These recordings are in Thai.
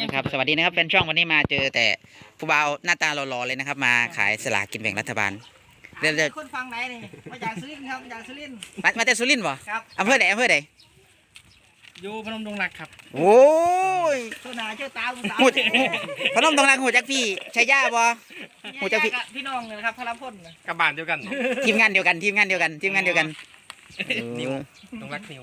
นะครับสวัสดีนะครับแฟนช่องวันนี้มาเจอแต่ผู้บ่าวหน้าตาหล่อๆเลยนะครับมาขายสลากกินแบ่งรัฐบาลเรื่อยคนฟังไหนนี่มาจากสุรินทร์ครับมาจากสุรินทร์ๆมาแต่สุรินทร์บ่ครับอำเภอไหนอยู่พนมดงรักครับโอ้ยเชื่อหน้าเชื่อตาคุณสาวหูพนมตรงรังหูจักพี่ชัยยาบ่ หูจักพี่พี่น้องเลยนะครับพระพลกับบ้านเดียวกันทีมงานเดียวกันนิวดงรักนิว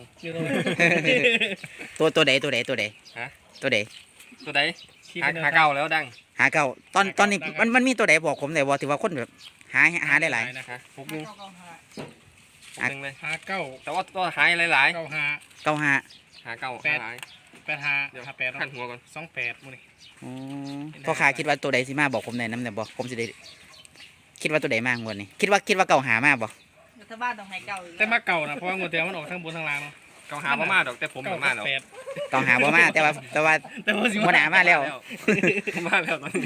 ตัวใดฮะตัวใดตัวใดหาเก่าแล้วดังหาเก่าตอนนี้มันมีตัวใดบอกผมได้บ่ถือว่าคนแบบหาได้หลายนะคะพวกนึงเก้าห้าพวกนึงเลยหาเก้าแต่ว่าตัวหายหลายเก้าหาเก้าห้าๆหาเก่าหายแปดหาเดี๋ยวหาแปดขั้นหัวก่อน 28มื้อนี้อ๋อพ่อค้าคิดว่าตัวใดสิมาบอกผมหน่อยน้ำเนี่ยบอกผมสิได้คิดว่าตัวใดมากงวดนี้คิดว่าเก่าหามากบ่รัฐบาลต้องให้เก่าอยู่แต่มาเก่านะเพราะว่างวดเดียวมันออกทั้งบนทั้งล่างเนาะเก่าหาบ่มาดอกแต่ผมบ่มาดอกแปดเก่าหาบ่มาแต่ว่าแต่ว่าสิหัวหน้ามาแล้วมาแล้วตอนนี้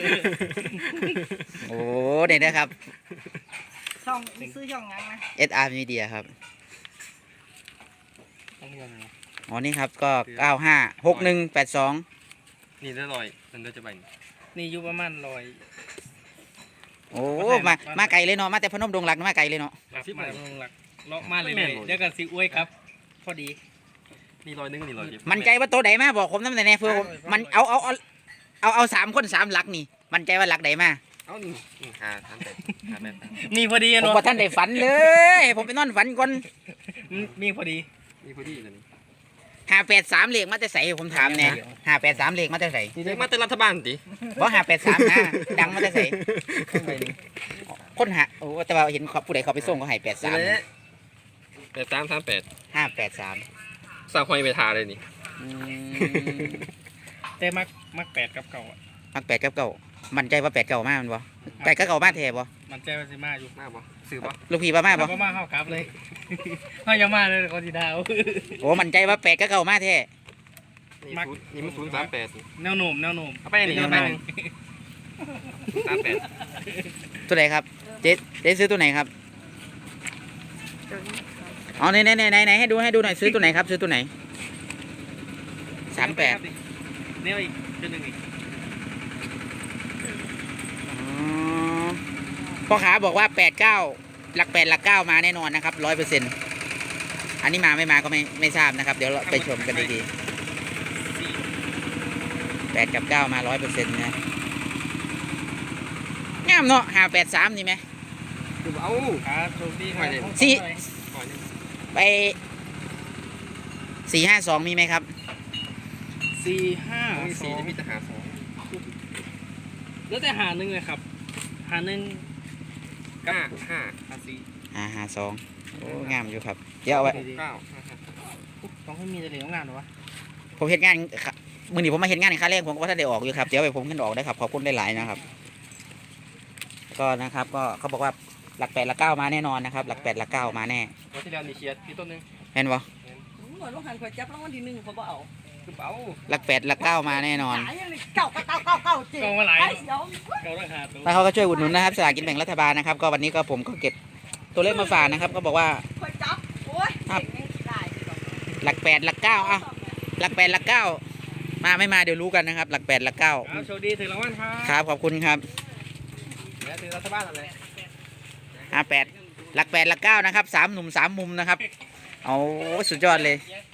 โอ้เนี่ยนะครับช่องซื้อช่องงั้นนะ SR Media ครับต้องเรียนนะอ๋อนี่ครับก็956182 นี่ได้ลอยมันจะไปนี่อยู่ประมาณ100 โอ้มาไกลเลยเนาะมาแต่พนมดงรักมาไกลเลยเนาะครับมาพนมดงรักเลาะมาเลยๆเดี๋ยวกันสิอวยครับ พอดีนี่ลอยนึงนี่ลอยมันใจว่าตัวใดมาบอกผมน้ำไหนเพื่อผมมันเอา3 คน 3 หลักนี่มันใจว่าหลักใดมาเอ้านี่หาทำแต่หาแบบมีพอดีผมเนาะบ่ท่านได้ฝันเลยผมไปนอนฝันก่อนมีพอดีนี่พอดีเลยนี่ 583เลขมาแต่ใส่ผมถามแน่583เลขมาแต่ใส่นี่มาแต่รัฐบาลติบ่583นะดังมาแต่ใส่คนหาโอ้แต่ว่าเห็นผู้ใดเขาไปส่งเขาให้นี่ 83 แหละ8338 583 สร้างหอยไปทาเลยนี่อืมแต่มัก8กับเก่าอะมัก8กับ9มันใจว่า8 9มามันบ่ไก่ก็9มาแท้บ่มันใจว่าสิมาอยู่มาบ่ซื้อบ่ลูกพี่ว่ามาบ่บ่มาเข้ากลับเลยเฮาอย่ามาเลยเขาสิดาวโอ้มันใจว่า8กับ9มาแท้นี่นี่มัน038นี่แนวโน้มเอาไปนี่เอาไปหนึ่ง38 ตัวไหนครับเจ๊ซื้อตัวไหนครับอ๋อไหนให้ดูหน่อยซื้อตัวไหนครับซื้อตัวไหน38 เนี่ยอีกตัวหนึงอีกอ๋อพ่อค้าบอกว่า89หลัก8หลัก9มาแน่นอนนะครับ100%อันนี้มาไม่มาก็ไม่ทราบนะครับเดี๋ยวเราไปชมกันดีๆ8กับ9มา100%นะงามเนาะ583นี่ไหมคือเอาครับโชคดีครับสี่หอยหนึงไป452มีไหมครับสี่ห้ามีสสี่องมีแต่หาสองแล้วแต่หาหนึ่งเลยครับ หาหนึ่งห้าห้าหาสี่ 52โอ้งามอยู่ครับเดี๋ยวเอาไว้เก้าห้าห้าต้องให้มีแต่เหลืองงานเหรอวะผมเฮ็ดงานมื้อนี้ผมมาเฮ็ดงานค่าแรงผมก็ว่าถ้าได้ออกอยู่ครับเดี๋ยวไปผมขึ้นออกได้ครับขอบคุณหลายๆนะครับก็นะครับก็เขาบอกว่าหลัก8หลัก9มาแน่นอนนะครับหลัก8หลัก9มาแน่วันที่แล้วนี่เชียร์พี่ต้นนึงเห็นบ่เหมือนลูกหันขวดจับรางวัลที่1เขาบ่เอาคือเป๋าหลัก8หลัก9มาแน่นอนหายังเลยเก่าจริงกองมาหลายไอ้เดี๋ยวเก่าราคาตัวแล้วเขาก็ช่วยอุดหนุนนะครับสลากกินแบ่งรัฐบาลนะครับก็วันนี้ก็ผมก็เก็บตัวเลขมาฝากนะครับก็บอกว่าขวดจับโอ้ยครับเก่งได้หลัก8หลัก9อ่ะหลัก8หลัก9มาไม่มาเดี๋ยวรู้กันนะครับหลัก8หลักครับโชคดีถึงรางวัลครับ 9ครับขอบคุณครับแล้วถือรัฐบาลอะไร 58หลัก8หลัก9นะครับ3 หนุ่ม 3 มุมนะครับเอาสุดยอดเลยเ